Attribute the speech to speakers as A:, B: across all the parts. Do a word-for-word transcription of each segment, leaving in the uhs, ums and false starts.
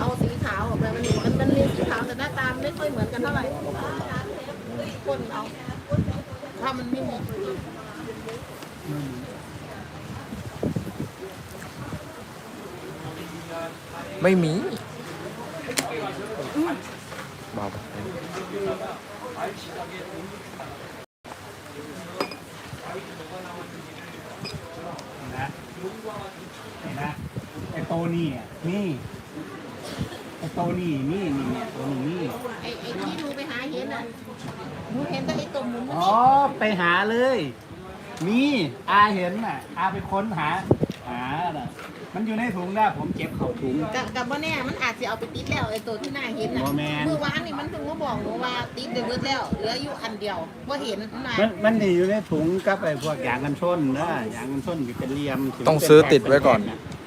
A: เอาสีขาวออกไปมันมันมันมีสีขาวแต่หน้าตาไม่ค่อยเหมือนกันเท่าไหร่คนเอาถ้ามันไม่มี
B: ไม่มีเบา
C: นะเห็นนะไอ้โตนี่อ่ะนี่ไอ้โตนี่นี่นี่เนี่ยตัวนี้นี่
A: ไอ้ไอ้ที่ดูไปหาเห็นอ่ะดูเห็นแต่ไอ้ตุ่มหมุนมัน
C: อ๋อไปหาเลยมีอาเห็นน่ะอาไปค้นหาหาน่ะมันอยู่ในถุงนะผมเก็บเข่าถุง
A: กับกับว่าเนี่ยมันอาจจะเอาไปติดแล้วไอ้ตัวที่หน้าเห็นน่ะ
C: บ่แม่น
A: เมื่อวานนี่มันเพิ่งมาบอกหนูว่าติดไปเบิดแล้วเหลืออยู่อันเดียวว่าเห็นมา
C: มันมันสิอยู่ในถุงกับไอ้พวกยางกันชนนะยางกันชนอยู่เป็นเหลี่ยม
B: ต้องซื้อติดไว้ก่อน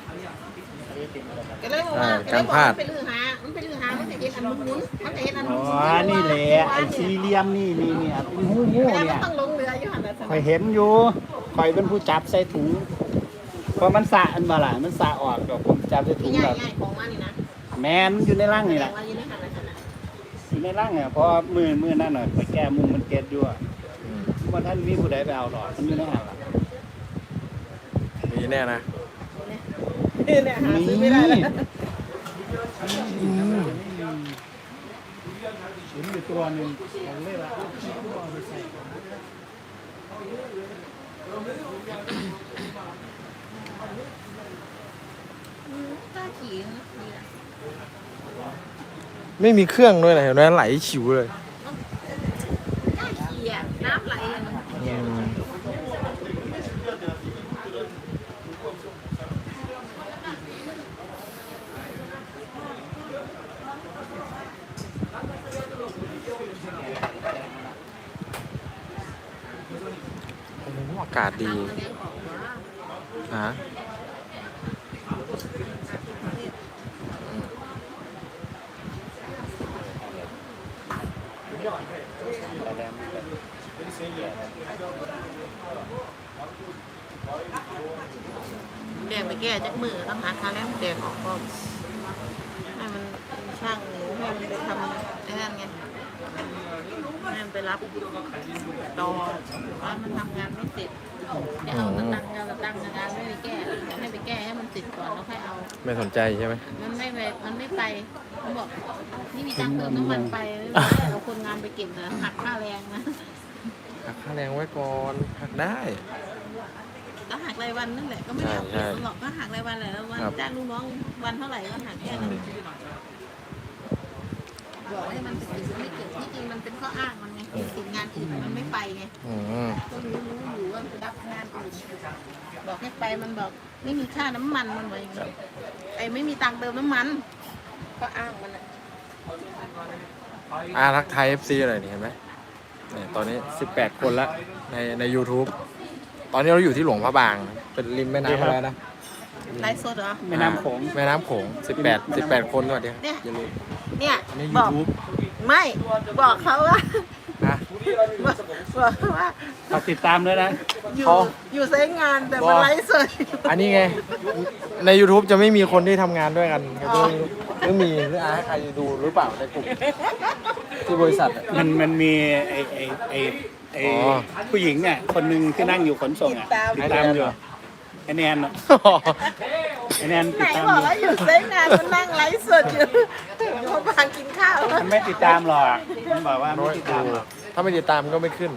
A: ก็เลยบอกว่า
B: อ่าการพลาด
A: มันไปลือหา มันไปลือหา มันจะเห็นอันหมุนๆมันจะเห็นอันห
C: อ๋
A: มุ
C: อน
A: ๆ
C: นี่แหละไอ้สี่เหลี่ยมนี่นี่เนี่ยเป็นหูหู
A: แล้ว
C: เนี่
A: มัน
C: ย
A: ต้องลงเรืออยู่หันนะ
C: คอยเห็นอยู่คอยเป็นผู้จับใส่ถุงเพราะมันสะอันมาล่ะมันสะออกดอกผมจับใส่ถุง
A: ง่า
C: แบ
A: ย
C: บ
A: ง่ายของมันนี่นะ
C: แมนมันอยู่ในร่างนี่แหละ
A: ว่าอยู่ในหันนะหันนะ
C: อยู่ในร่างเนี่ยเพราะมือมือนั่นหน่อยไปแก้มุมมันเก็ดอยู่อะว่าท่านมีผู้ใดไปเอาหรอกมันอยู่ในหันล่ะ
B: มีแน่นะ
A: เนี่ยหาซื้อไม่ได้แล้ว
C: เห็นอยู่ตัวหนึ่งผมเลยว่าเอาไปใส่
A: กล้าขี่นะนี่แหละ
B: ไม่มีเครื่องด้วยนะเห็นไหมไหลฉิวเลย
A: กล้าขี่อ่ะน้ำไหลอะมัน
B: อืม โอ้โหอากาศดี
A: มันยังออกมา
B: ฮะ
A: แดงไปแก้จากมือต้องหาคาแรมแดงออกก่อนให้มันช่างหรือให้มันไปทำไอ้นั่นไงให้มันไปรับดอว่ามันทำงานไม่เสร็จเดี๋ยวเอาตะตังงานตะตังงานไม่ไปแก้ให้ไปแก้ให้มันเสร็จก่อนแล้วค่อยเอา
B: ไม่สนใจใช่ไหม
A: มันไม่ไปมันไม่ไปมันบอกนี่มีตังค์เติมน้ำมันไปเอาคนงานไปเก็บนะหักค่าแรงนะ
B: หักค่าแรงไว้ก่อนหักได้
A: ก็หักรายวันนั่นแหละก็ไม่ได้เอาเปรียบมันหรอกก็หักรายวันแหละแล้ววัน
B: ครับ
A: จ้างลูกน้องวันเท่าไหร่ก็หักแค่นั้นบอกให้มันถึงไม่เก็บที่จริงมันเป็นข้ออ้างมันไงติดงานอื่นมันไม่ไปไง
B: อืม
A: ก็รู้รู้อยู่ว่ามันรับงานอื่นบอกให้ไปมันบอกไม่มีค่าน้ำมันมันว่าอย่างนี้ไอ้ไม่มีตังค์เติมน้ำมันก็อ้างมันอ่ะ
B: อารักไทย เอฟ ซี อะไรนี่เห็นไหมเนี่ยตอนนี้สิบแปดคนละในใน YouTube ตอนนี้เราอยู่ที่หลวงพระบาง เป็นริมแม่น้ำอะไรนะ
A: ไลฟ์สดเหรอ
C: แม่น้ำโขง
B: แม่น้ำโขงสิบแปด สิบแปดคนสวัสดีครับ
A: เนี่ย
B: อย่าลืม
A: เนี่ย
B: อันนี้
A: บอก
B: YouTube
A: ไม่บอกเขาว่า
B: นะ
A: บอกบอกว่า
C: ฝากติดตามด้วยนะ
A: อยู่
B: เขา
A: อยู่ใช้งานแต่มาไลฟ์สด
B: อันนี้ไง ใน YouTube จะไม่มีคนที่ทำงานด้วยกันครับหรือมีหรืออาให้ใครดูหรือเปล่าในกลุ่มที่บริษัทอะ
C: มันมันมีไอ้ไอ้ไอ้ไอ้
B: อ๋อ
C: ผู้หญิงอ่ะคนหนึ่งที่นั่งอยู่ขนส่งอ่ะติดตามอยู่ไอ้แนนอะไอ้แนน
A: ไหน
C: ติดตาม
A: บอ
C: อก ยู่
A: ว่าอยู่ใช้งานมันนั่งไลฟ์สดอยู่เขาบางกินข้าว
C: มันไม่ติดตามหรอกมันบอกว่าไม่ติดตามหรอก
B: ถ้าไม่ติดตามก็ไม่ขึ้น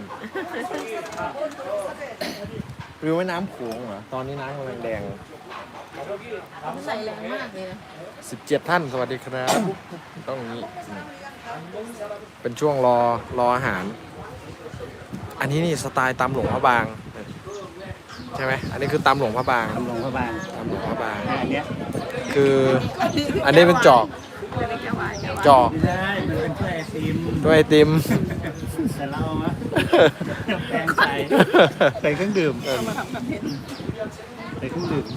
B: หรือว่าน้ำโขงเหรอตอนนี้น้ำกำลังแดง
A: ใส่แรงมากเลยนะ
B: สิบเจ็ดท่านสวัสดีครับ ต้องอย่างนี้ เป็นช่วงรอรออาหาร อันนี้นี่สไตล์ตำหลวงพระบาง ใช่ไหมอันนี้คือตำหลวงพระบาง
C: ทำลงพระบาง
B: ตำหลวงพระบาง
C: อันเนี้ย
B: คืออันนี้เป็นจอกจอก
C: ไม่ได้มันเป็นถ้วยไอติม
B: ด้วยไอติม
C: แต่เราอะแปลงใส่ใส่เครื่องดื่มใส่เครื่องดื่ม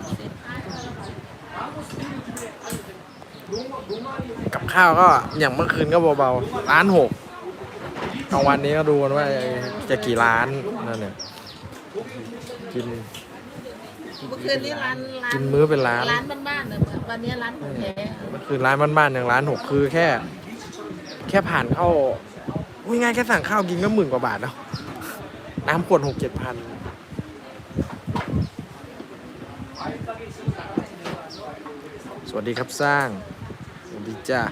B: กับข้าวก็อย่างเมื่อคืนก็เบาๆร้านหกกลางวันนี้ก็ดูกันว่าจะกี่ร้านนั่นเนี่ยกิน
A: เมื่อคืนนี้ร้านร้าน
B: กินมื้อเป็นร้าน
A: ร้านบ้านๆเนี่ยวันนี้ร้านของแท้
B: มันคือร้านบ้านๆอย่างร้านหกคือแค่ แค่ผ่านเข้าอุ้ยง่ายแค่สั่งข้าวกินก็หมื่นกว่าบาทแล้วน้ำขวดหกเจ็ดพันสวัสดีครับสร้างสวัสดีจ้า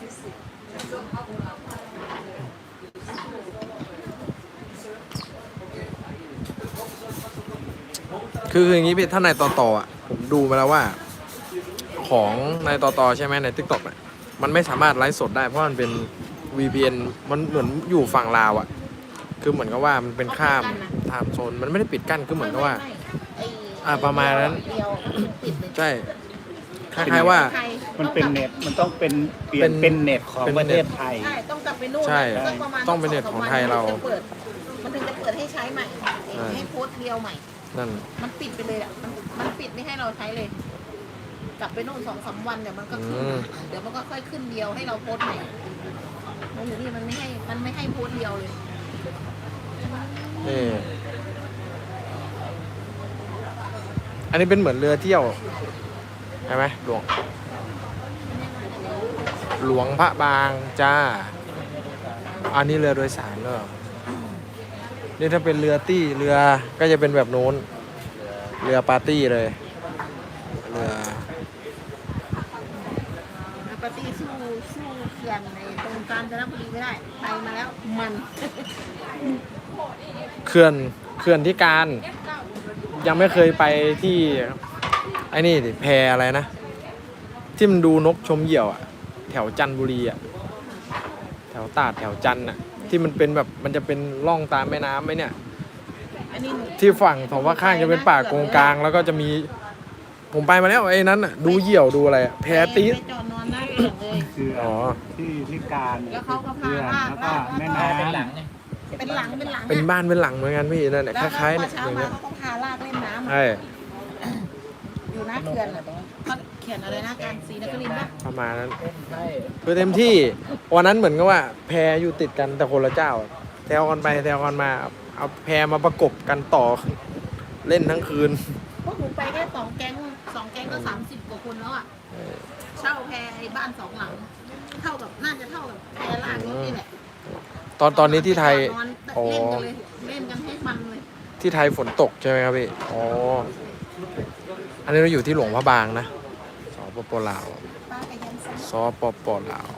B: คืออย่างนี้พี่ถ้าในต่อต่ออ่ะผมดูมาแล้วว่า ของในต่อต่อใช่ไหมใน ทิกต็อก เนี่ยมันไม่สามารถไลฟ์สดได้เพราะมันเป็น วี พี เอ็น มันเหมือนอยู่ฝั่งลาวอ่ะคือเหมือนกับว่ามันเป็นข้ามไทม์โซนมันไม่ได้ปิดกั้นคือเหมือนกับว่า อ่าประมาณนั้น
A: เดียวปิดเลย
B: ใช่คล้ายๆว่า
A: ไทย
C: มันเป็นเน็ตมันต้องเป็นเปลี่ย
B: เป็น น
C: เป็นเน็ตของ
B: เป็น
C: ประเท
B: เน็
C: ศ
B: ต
C: ไทย
A: ใช่ต้องกลับไปนู่น
B: ใช่
A: สักประมาณ
B: ต้องเป็นเน็ตของไทยเรา
A: มันถึงจะเปิดมันถึงจะเปิดให้ใช้ใหม่
B: ใช่
A: ให้โพสต์เดียวใหม่
B: นั่น
A: มันปิดไปเลยอ่ะมันมันปิดไม่ให้เราใช้เลย กลับไปนู่นสองสามวันเดี๋ยวมันก็ขึ้น
B: อืม
A: เดี๋ยวมันก็ค่อยขึ้นเดียวให้เราโพสต์ใหม่มันอยู่นี่มันไม่ให้มันไม่ให้โพสต์เดียวเลย
B: นี่อันนี้เป็นเหมือนเรือเที่ยวใช่ไหมหลวง หลวงพระบางจ้า อันนี้เรือโดยสารเหรอนี่ถ้าเป็นเรือตี้เรือก็จะเป็นแบบนู้นเรือปาร์ตี้เลยเรือ
A: ปฏิสู้สู้เขื่อนในตรงกาญจนบุรีไม่ได้ไปมาแล้วมัน
B: เขื่อนเขื่อนที่การยังไม่เคยไปที่ไอ้นี่ดิแพอะไรนะ ที่มันดูนกชมเหยี่ยวอะแถวจันทบุรีอะแถวตราดแถวจันทร์อะที่มันเป็นแบบมันจะเป็นร่องตามแม่น้ำไหมเนี่ย
A: อันนี้หนู
B: ที่ฝั่งของว่าข้างจะเป็นป่าโกงกลางแล้วก็จะมีผมไปมาแล้วไอ้นั้นอะดูเหยี่ยวดูอะไรอะแพตีด
A: ไปจอดนอนหน้าเขื่อนเลย
C: คือ
B: อ๋อ
C: ที่ที่การ
A: แล้วเขาก็พา
C: เรือ
A: ลาก
C: แล้วก็
A: ลาก
C: แม่
A: ลาก
C: น้
D: เป็นหลังไง
A: เป็นหลังเป็นหลัง
B: เป็นบ้านเป็นหลังเหมือนกันพี่นั่นแหละ
A: แล้ว
B: คล้ายๆ
A: พ
B: เนี่
A: อย เช้า
B: อย่าง
A: มา
B: เงี้ย
A: เขาก็พาลากเล่นน้ำ
B: ใช่
A: อยู่หน้าเขื่อนเขาเขียนอะไรนะการศรีนครินทร์ป่ะ
B: ประมาณนั้น
D: ใช่
B: คือเต็มที่วันนั้นเหมือนกับว่า แพอยู่ติดกันแต่คนละเจ้าแถวกันไปแถวกันมาเอาแพมาประกบกันต่อเล่นทั้งคืน
A: พวกหนูไปแค่สองแก๊งสองแก๊งก็สามสิบกว่าคนแล้วอ่ะเช่าแพไอ้บ้านสองหลัง เท่ากับน่าจะเท่ากับแพลากรถนี่แหละ
B: ตอนตอนนี้ที่ไทย
A: นอน
B: อ๋อ
A: เล่นกันเลยเล่นกันให้มันเลย
B: ที่ไทยฝนตกใช่ไหมครับพี่อ๋ออันนี้เราอยู่ที่หลวงพระบางนะสปปลาว
A: ป้ากับยันซ้
B: สปปลาว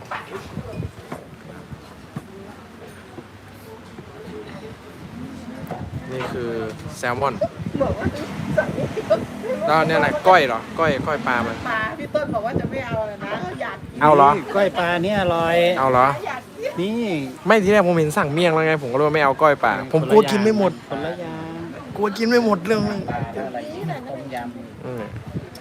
B: นี่คือแซลมอน
A: ำบอกว่า
B: แล้วเนี่ยอะไรก้อยเหรอก้อยก้อยปลามัน
A: ปลาพี่ต้นบอกว่าจะไม่เอาเลยนะอยากกิน
B: เอาเหรอ
C: ก้อยปลาเนี่ยอร่อย
B: เอาเหรอ
A: อยากกิน
C: นี่
B: ไม่ทีแรกผมเห็นสั่งเมี่ยงแล้วไงผมก็เลยว่าไม่เอาก้อยปลาผมกลัวกินไม่หมด
C: คนละอย่าง
B: กลัวกินไม่หมดเรื่องนึง
D: ปลาอะไรต้มย
B: อืม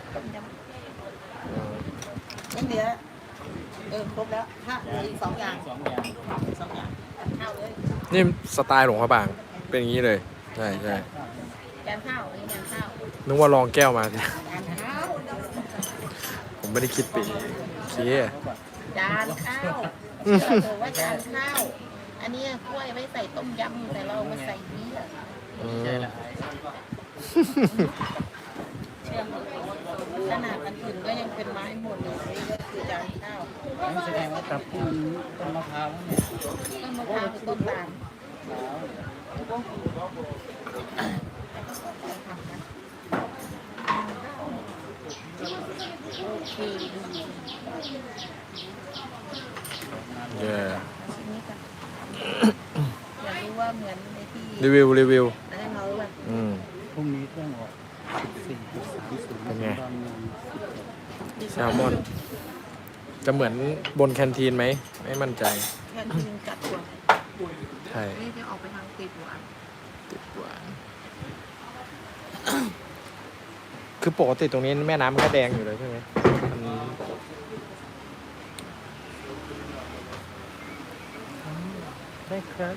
A: งั้นเดี๋ยวเออครบแล้วถ้าเหลืออีกสองอย่าง
D: ำสองอย่าง
A: สองอย่างข้าวเลย
B: นี่สไตล์หลวงพระบางเป็นอย่างนี้เลยใช่ใช่
A: แกงข้าวอันนี้แกงข้าว
B: นึกว่าลองแก้วมาสิ
A: จานข้าว
B: ผมไม่ได้คิดไปเองโอเค
A: จานข้าวเออว่าจานข้าว อันนี้กล้วยไว้ใส่ต้มยำแต่เราเอามาใส่เบียร์
B: อืม
D: ใช่ละ
A: เชื่อมขนาดอันอื่นก็ยังเป็นไม้หมดเลยนี่ก็คือจานข้าว
D: นั่นแสดงว่าตับที่ต้นมะพร้าวเนี่ย
A: ต้นมะพร้าวคือต้นตาลโอเคดู
B: เย้
A: ชิ้นนี้กันอยากรู้ว่าเหมือนในที่
B: รีวิวรีวิว
A: อันนั้นเราแบบ
B: อืม
C: พรุ่งนี้เครื่องออกสี่จุดสามศูนย์
B: เป็นไง
C: ตอนนี้
B: แซลมอน จะเหมือนบนแคนทีนไหมไม่มั่นใจ
A: แค่กินจัดตัว
B: ใช่
A: นี่จะออกไปทางติดหวาน
B: ติดหวาน คือปกติตรงนี้แม่น้ำมันก็แดงอยู่เลยใช่ไหมมันได้ครับ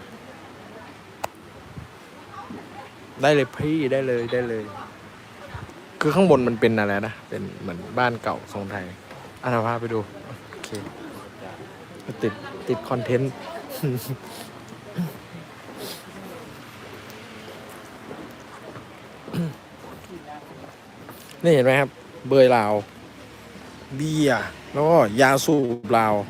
B: ได้เลยพี่ได้เลยได้เลย คือข้างบนมันเป็นอะไรนะ เป็นเหมือนบ้านเก่าทรงไทยอ่ะเราพาไปดู โอเค ติดติดคอนเทนต์ นี่เห็นไหมครับ เบยลาวเบียร์แล้วก็ยาสูบลาว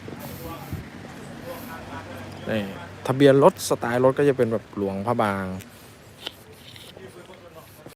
B: นี่ทะเบียนรถสไตล์รถก็จะเป็นแบบหลวงพระบาง